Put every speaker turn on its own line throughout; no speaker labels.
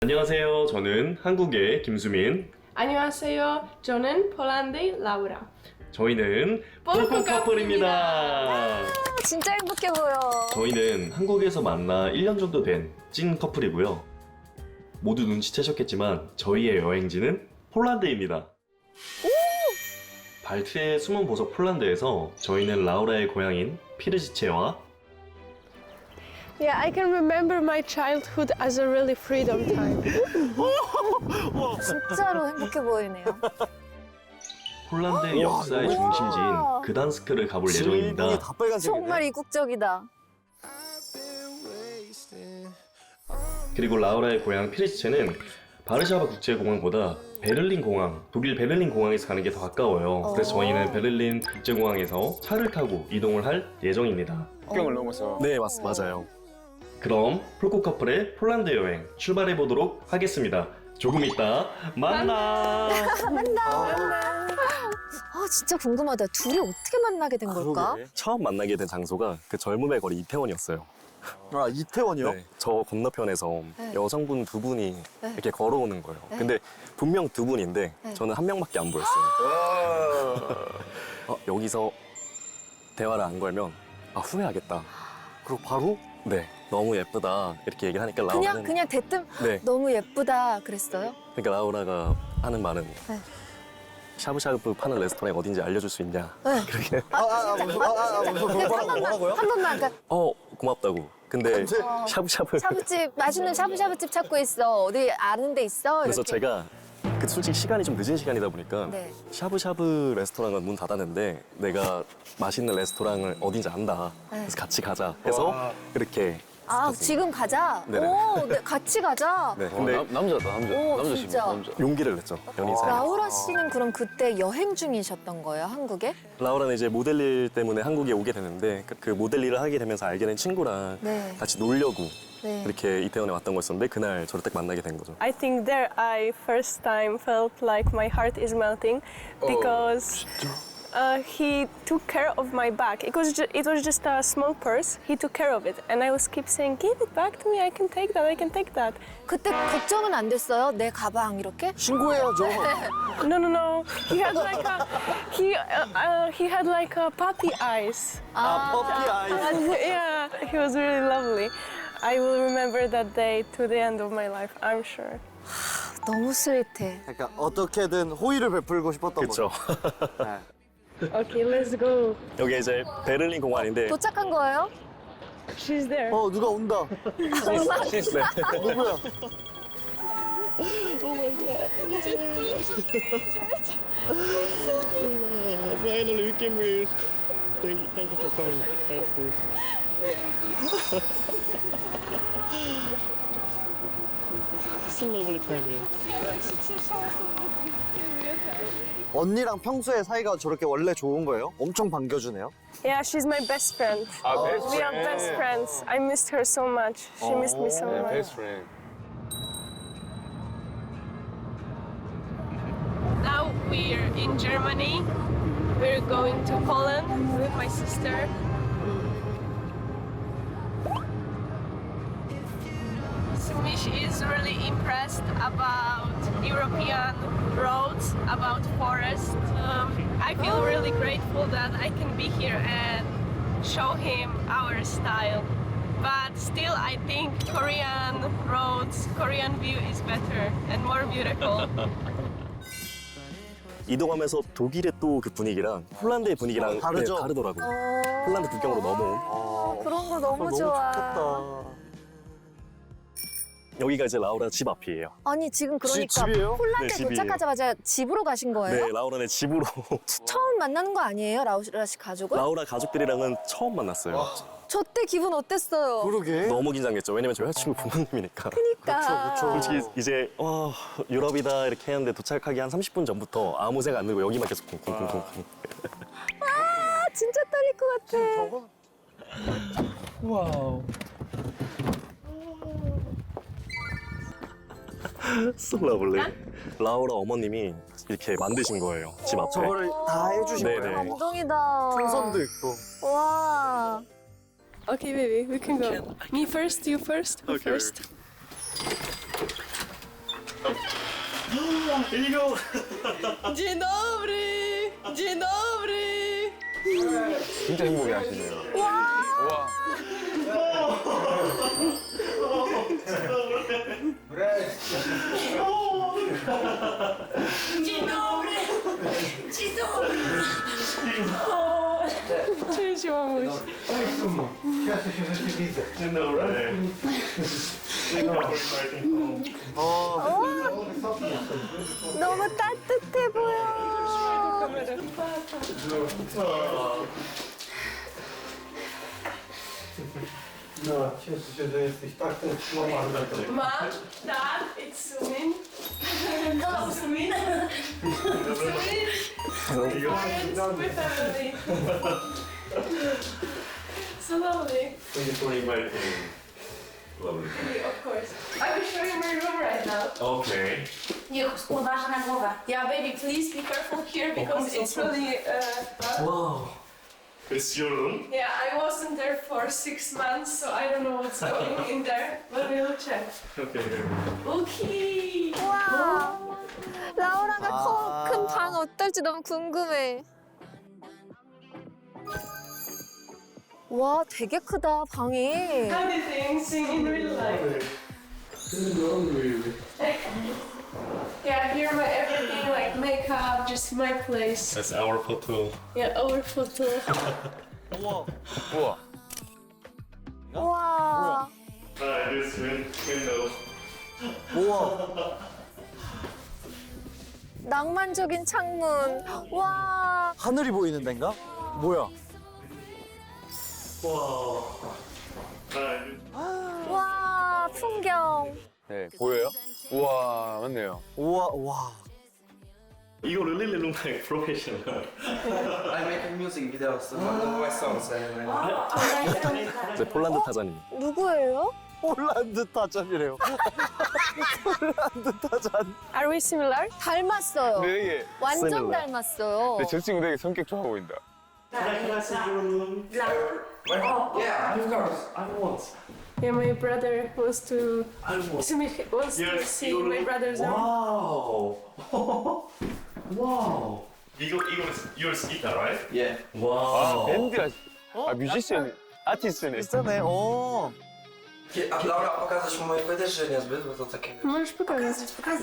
안녕하세요. 저는 한국의 김수민.
안녕하세요. 저는 폴란드의 라우라.
저희는
폴코
폴코 커플입니다.
진짜 행복해 보여.
저희는 한국에서 만나 1년 정도 된 찐 커플이고요. 모두 눈치채셨겠지만 저희의 여행지는 폴란드입니다. 발트의 숨은 보석 폴란드에서 저희는 라우라의 고향인 피르지체와
Yeah, I can remember my childhood as a really freedom time.
진짜로 행복해 보이네요.
폴란드의 역사의 중심지인 그단스크를 가볼 예정입니다.
주인공이 다 빨간색이네.
정말 이국적이다.
그리고 라우라의 고향 피르지체는 바르샤바 국제공항보다 베를린 공항, 독일 베를린 공항에서 가는 게 더 가까워요. 그래서 저희는 베를린 국제공항에서 차를 타고 이동을 할 예정입니다.
국경을 넘어서.
네, 맞아요.
그럼 폴코 커플의 폴란드 여행 출발해 보도록 하겠습니다. 조금 이따 만나.
진짜 궁금하다. 둘이 어떻게 만나게 된 걸까?
그러게.
처음 만나게 된 장소가 그 젊음의 거리 이태원이었어요.
아, 이태원이요?
네, 저 건너편에서
네.
여성분 두 분이
네.
이렇게 걸어오는 거예요.
네.
근데 분명 두 분인데
네.
저는 한 명밖에 안 보였어요. 여기서 대화를 안 걸면 후회하겠다.
그리고 바로?
네, 너무 예쁘다 이렇게 얘기를 하니까 라우라는
그냥 대뜸
네,
너무 예쁘다 그랬어요?
그러니까 라우라가 하는 말은
네.
샤브샤브 파는 레스토랑이 어딘지 알려줄 수 있냐?
네.
그렇게
뭐라고요?
한 번만 그러니까
고맙다고. 근데
근데
샤브샤브
샤브집 맛있는 샤브샤브집 찾고 있어. 어디 아는 데 있어?
그래서
이렇게.
제가 솔직히 시간이 좀 늦은 시간이다 보니까
네.
샤브샤브 레스토랑은 문 닫았는데 내가 맛있는 레스토랑을 어딘지 안다.
네.
그래서 같이 가자 해서 이렇게
지금 가자.
네네.
네, 같이 가자.
네, 근데
남자다
오, 진짜.
용기를 냈죠. 연인 사이.
라우라 씨는 그럼 그때 여행 중이셨던 거예요, 한국에?
라우라는 이제 모델 일 때문에 한국에 오게 되는데 그 모델 일을 하게 되면서 알게 된 친구랑
네.
같이 놀려고
네.
이렇게 이태원에 왔던 거였었는데 그날 저를 딱 만나게 된 거죠.
I think there I first time felt like my heart is melting because he took care of my bag. It was just a small purse. He took care of it, and I was keep saying, "Give it back to me. I can take that. I can take that."
그때 걱정은 안 됐어요? 내 가방 이렇게?
신고해야죠.
No. He had like he had like a puppy eyes.
퍼피 아이.
And yeah, he was really lovely. I will remember that day to the end of my life. I'm sure.
너무 스윗해.
그러니까 어떻게든 호의를 베풀고 싶었던
그렇죠.
거죠. 네.
Okay, let's go.
여기 이제 베를린 공항인데
도착한 거예요?
She's there.
누가 온다.
네.
누구야?
Finally we came here. Thank you for coming. It's a lovely time here.
언니랑 평소에 사이가 저렇게 원래 좋은 거예요? 엄청 반겨주네요.
Yeah, she's my best friend. We are best friends. I missed her so much. She missed me so much.
friend.
Now we're in Germany. We're going to Poland with my sister. Sumish is really impressed about European roads, about forest. I feel really grateful that I can be here and show him our style. But still, I think Korean roads, Korean view is better and more beautiful.
이동하면서 독일의 또 그 분위기랑 폴란드의 분위기랑
다르죠?
네, 다르더라고요. 폴란드 국경으로 넘어온.
그런 거 너무 좋아.
좋겠다.
여기가 이제 라우라 집 앞이에요.
아니 지금 그러니까
집이에요?
폴란드에
네, 집이에요.
도착하자마자 집으로 가신 거예요?
네, 라우라네 집으로.
처음 만나는 거 아니에요, 라우라 씨 가족을?
라우라 가족들이랑은 처음 만났어요.
저 때 기분 어땠어요?
그러게.
너무 긴장했죠. 왜냐면 저희 여자친구 부모님이니까.
그러니까.
솔직히 이제 유럽이다 이렇게 했는데 도착하기 한 30분 전부터 아무 생각 안 들고 여기만 계속 쿵쿵쿵쿵.
아, 진짜 떨릴 것 같아.
저거?
So lovely. 라우라 어머님이 이렇게 만드신 거예요. 집 앞에.
저거를 다 해주신
네네.
거예요?
감동이다.
풍선도 있고.
와.
Okay, baby, we can go. Me first, you first. Who
Okay.
first?
이거
Dzień dobry! Dzień dobry!
진짜 행복해 하시네요. 와.
Dzień dobry! Dzień dobry! Cześć, mamuś.
Dzień dobry.
너무 따뜻해 보여.
No, cieszę się, że jesteś tak tęsknowany.
Mom, Dad, it's Sumin. Hello, Sumin. Sumin. Parents, my family. So lovely.
Thank you for inviting. Lovely.
Of course. I will show you my room right now.
Okay.
Uważaj na głowę.
Yeah, baby, please be careful here because it's really.
Wow. It's your room?
Yeah, I wasn't there for 6 months, so I don't know what's going in there, but we'll check.
Okay.
Okay.
와. 라우라가
아.
큰 방 어떨지 너무 궁금해. 와, 되게 크다, 방이.
How do things in real life? Yeah, here my everything, like makeup, just my place.
That's our photo.
Yeah, our photo.
우와.
우와.
와.
This window.
우와.
낭만적인 창문. 와.
하늘이 보이는 데인가? 뭐야?
Wow.
와, 풍경.
네, 보여요? 우와, 맞네요.
우와, 와.
You really look like professional.
I'm making music videos, my songs.
네, 폴란드 타자님.
누구예요?
폴란드 타잔이래요. 폴란드 타잔.
Are we similar?
닮았어요.
근데 되게,
완전
similar.
닮았어요.
근데 저 친구 되게 성격 좋아 보인다.
Yeah, of course.
I want.
Yeah, my brother wants to
I want.
wants to see my brother's room.
Wow. wow. 이거 your guitar, right?
Yeah.
Wow.
밴드라. 아, 뮤지션, 아티스트네.
비싸네. 어.
A Laura, pokażesz mu moje płyty, czy niezbyt? Bo to takie...
Możesz pokazać.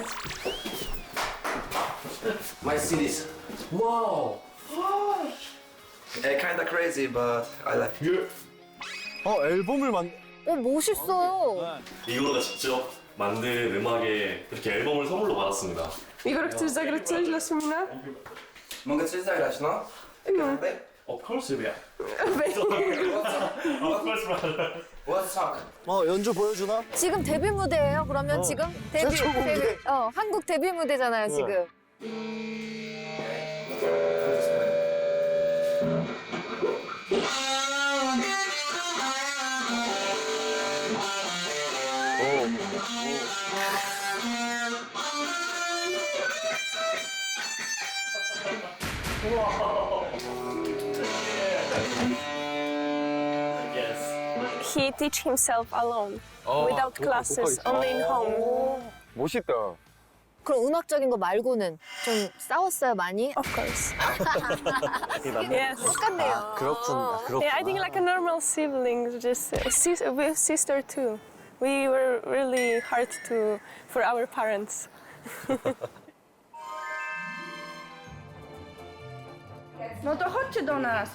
My CDs. Wow. Kinda crazy, but I like it.
앨범을 만.
멋있어요.
이거가 직접 만든 음악에 이렇게 앨범을 선물로 받았습니다.
Igor, chcesz zagrać coś dla Sumina?
Mogę coś zagrać, no?
No.
Of course, yeah. Of course, brother.
What song?
연주 보여주나?
지금 데뷔 무대예요. 그러면 지금
최초 무대.
한국 데뷔 무대잖아요, 지금.
Yes.
He teach himself alone, without classes, only in home.
멋있다.
그럼 음악적인 거 말고는 좀 싸웠어요, 많이?
Of course.
남매.
Yes.
똑같네요.
그렇군. 그렇구나.
Yeah, I think like a normal sibling, just with sister too. We were really hard for our parents.
No to chodźcie do nas.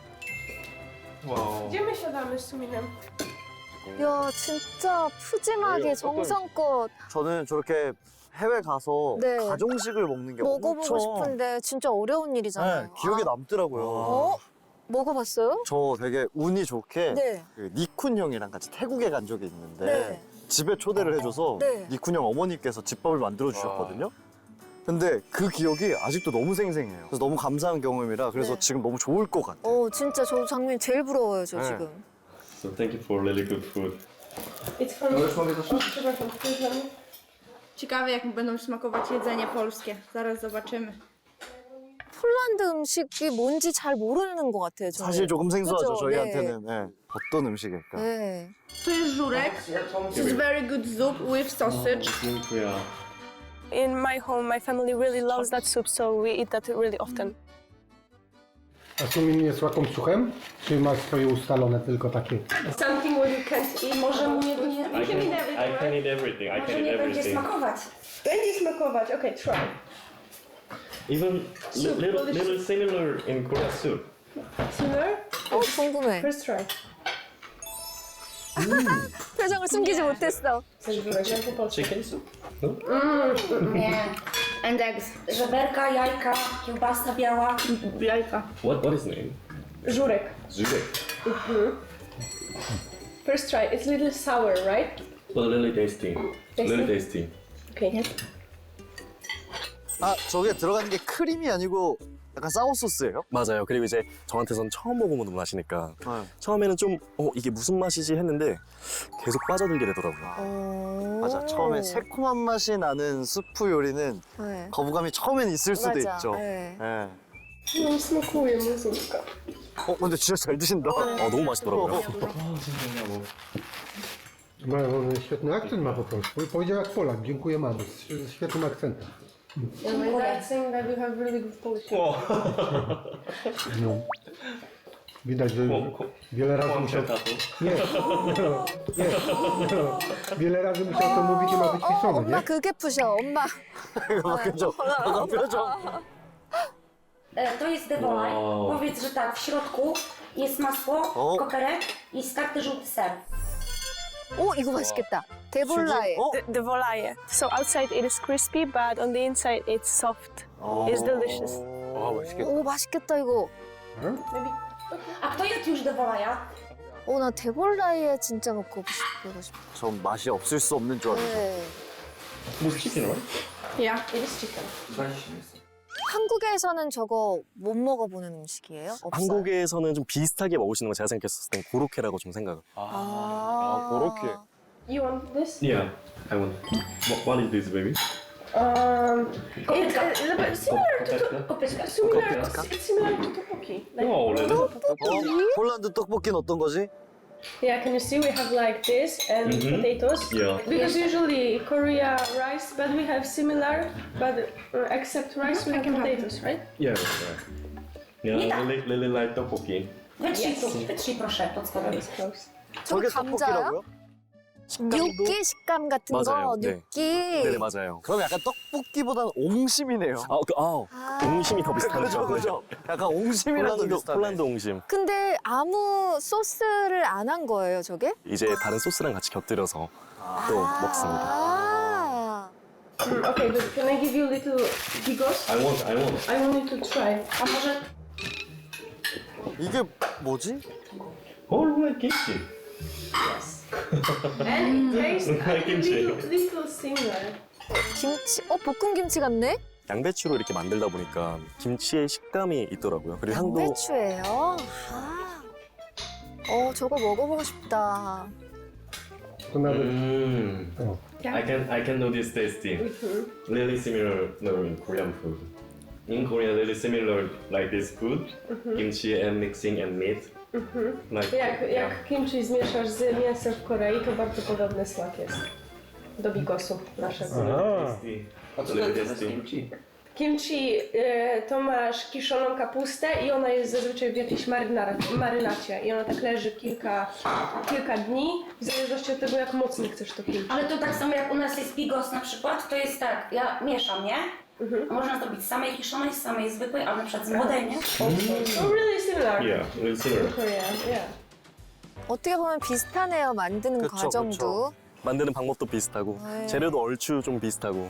Wow.
Gdzie my siadamy z Suminem?
야, 진짜 푸짐하게 정성껏
저는 저렇게 해외 가서
네.
가정식을 먹는 게
먹어보고
엄청
싶은데 진짜 어려운 일이잖아요.
네, 기억에 남더라고요.
어? 먹어봤어요?
저 되게 운이 좋게
네.
그 니쿤 형이랑 같이 태국에 간 적이 있는데
네.
집에 초대를 해줘서
네.
니쿤 형 어머니께서 집밥을 만들어 주셨거든요. 근데 그 기억이 아직도 너무 생생해요. 그래서 너무 감사한 경험이라 그래서
네.
지금 너무 좋을 것 같아요.
진짜 저 장면이 제일 부러워요, 저
네.
지금.
So thank you for really good food.
It's from...
Możesz mogę to
Przepraszam, przepraszam.
Ciekawe, jak będą smakować jedzenie polskie. Zaraz zobaczymy.
폴란드 음식이 뭔지 잘 모르는 것 같아요, 저는.
사실 조금 생소하죠,
그죠?
저희한테는. 네. 어떤 음식일까?
네.
To jest żurek. To jest very good soup with sausage.
Dziękuję.
in my home, my family really loves that soup, so we eat that really often.
A sumin jest łakomczuchem? Czy masz swoje ustalone tylko takie?
Something where you can't eat.
Może mu nie,
I can eat everything. I can eat everything.
smakować.
Będzie smakować. Okay, try.
Even little similar in Korea soup.
Similar?
궁금해.
First try.
표정을 숨기지 못했어.
Chicken soup?
Nie. And eggs. Żeberka, jajka, kiełbasa biała.
Jajka.
What is name?
Żurek.
Zurek.
First try. It's a little sour, right?
But really tasty. Really tasty.
Okay.
아 저게 들어가는 게 크림이 아니고 약간 사워 소스예요?
맞아요. 그리고 이제 저한테선 처음 먹어보는 맛이니까
네.
처음에는 좀 이게 무슨 맛이지 했는데 계속 빠져들게 되더라고요.
맞아. 처음에 새콤한 맛이 나는 스프 요리는
네.
거부감이 처음엔 있을 수도
맞아.
있죠.
네.
네.
Нам смакує музика.
근데 진짜 잘 드신다.
너무 맛있더라고요.
On świetny akcent ma po polsku. Powiedział jak Polak. Dziękuję mamo. Z świetnym akcentem.
My dad saying that you have really good Polish.
No. Widać, że wiele razy musiał... Nie. Wiele razy musiał to mówić i ma wyćwiczone,
엄마
nie?
그게 푸셔. 엄마.
표정. 표정.
To jest devolaj.
Wow.
Powiedz, że tak, w środku jest masło,
O.
koperek i skarty żółty ser.
오 이거 맛있겠다. 데볼라에.
The volaje. So outside it is crispy, but on the inside it's soft. It's delicious.
와, 맛있겠다.
오 맛있겠다 이거.
A kto jadł już devolaja?
나 데볼라에 진짜 먹고 싶어.
전 맛이 없을 수 없는 줄 알았어요.
네.
With chicken, right?
Yeah, it is chicken.
한국에서는 저거 못 먹어보는 음식이에요? 없어요?
한국에서는 좀 비슷하게 먹으시는 거 제가 생각했을 땐 고로케라고 좀 생각을.
그렇게.
You want this?
Yeah, I want. What is this, baby?
It's a little bit similar to
Kopytka.
it's similar to tteokbokki. Like,
Oh, really?
폴란드 떡볶이는 어떤 거지?
yeah, can you see we have like this and potatoes?
Yeah.
Because usually Korea rice, but we have similar, but except rice we have potatoes, right?
Yeah, that's right. Yeah, really like tteokbokki.
Wytrzyj proszę pod spodem.
It's close.
저게
감자요?
떡볶이라고요?
육기 식감 같은
맞아요.
거,
네.
육기.
네네 맞아요.
그럼 약간 떡볶이보다는 옹심이네요.
옹심이 더 비슷하죠.
그죠? 약간 옹심이랑 더 비슷하네.
폴란드 옹심.
근데 아무 소스를 안 한 거예요, 저게?
이제 다른 소스랑 같이 곁들여서 또 먹습니다.
아.
Okay, but can I give you a little bigos?
I want.
I want you to try.
A może
이게 뭐지?
Oh, like kimchi.
And it tastes
Like kimchi.
little similar.
김치, 볶은 김치 같네?
양배추로 이렇게 만들다 보니까 김치의 식감이 있더라고요. 그리고 향도
양배추예요? 저거 먹어보고 싶다.
To nawet...
I can know this tasting. Really similar in Korean food. In Korea, really similar like this food, kimchi and mixing and meat. Like
Jak kimchi zmieszasz z mięsem w Korei, to bardzo podobny smak jest do bigosu naszego.
tasty. Really tasty.
Kimchi to masz kiszoną kapustę i ona jest zazwyczaj w jakiejś marynacie i ona tak leży kilka dni, w zależności od tego jak mocno chcesz to kimchi.
Ale to tak samo jak u nas jest bigos na przykład, to jest tak, ja mieszam, nie? A można zrobić z samej kiszonej, z samej zwykłej, albo na przykład z młodej, nie?
So really similar.
Yeah, really similar.
In Korea, yeah.
어떻게 보면 비슷하네요, 만드는
그쵸,
과정도.
만드는 방법도 비슷하고
네.
재료도 얼추 좀 비슷하고.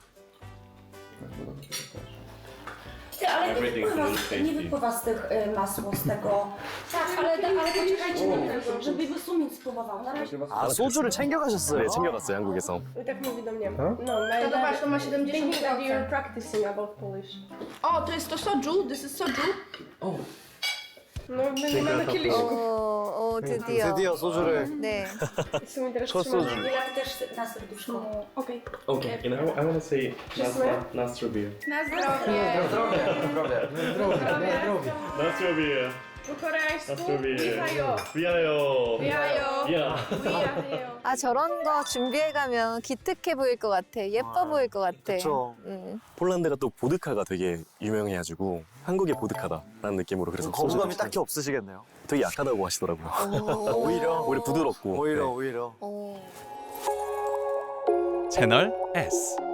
Ty, ale
Everything is really tasty.
nie wypływa z tych masło, z tego. Tak, ale poczekajcie na mnie, żeby Sumin spróbował. Na razie.
아 소주를 챙겨가셨어요?
네, 챙겨갔어요, 한국에서.
I tak mówi do mnie.
No,
my
To
dad
zobacz, to ma
thinking that
70%.
you're practicing about Polish.
O, to jest to soju, this is soju.
No, my nie mamy kieliszków.
드디어.
드디어 소주를.
네.
Sumi teraz
첫
trzyma-
소주.
Ja też na serduszko.
Okej.
Okay, and I want to say
Smash?
Nastra beer.
Na zdrowie.
Zdrowie, na zdrowie.
Nastra beer.
Po-koreańsku. Wihajo.
위하여.
Wihajo.
야.
Wihajo.
아 저런 거 준비해가면 기특해 보일 것 같아. 예뻐 보일 것 같아.
그쵸.
폴란드가 또 보드카가 되게 유명해가지고 한국의 보드카다라는 느낌으로 그래서
거부감이
소주
딱히 없으시겠네요.
되게 약하다고 하시더라고요.
오히려
부드럽고.
오히려
네.
오히려.
어.
채널 S.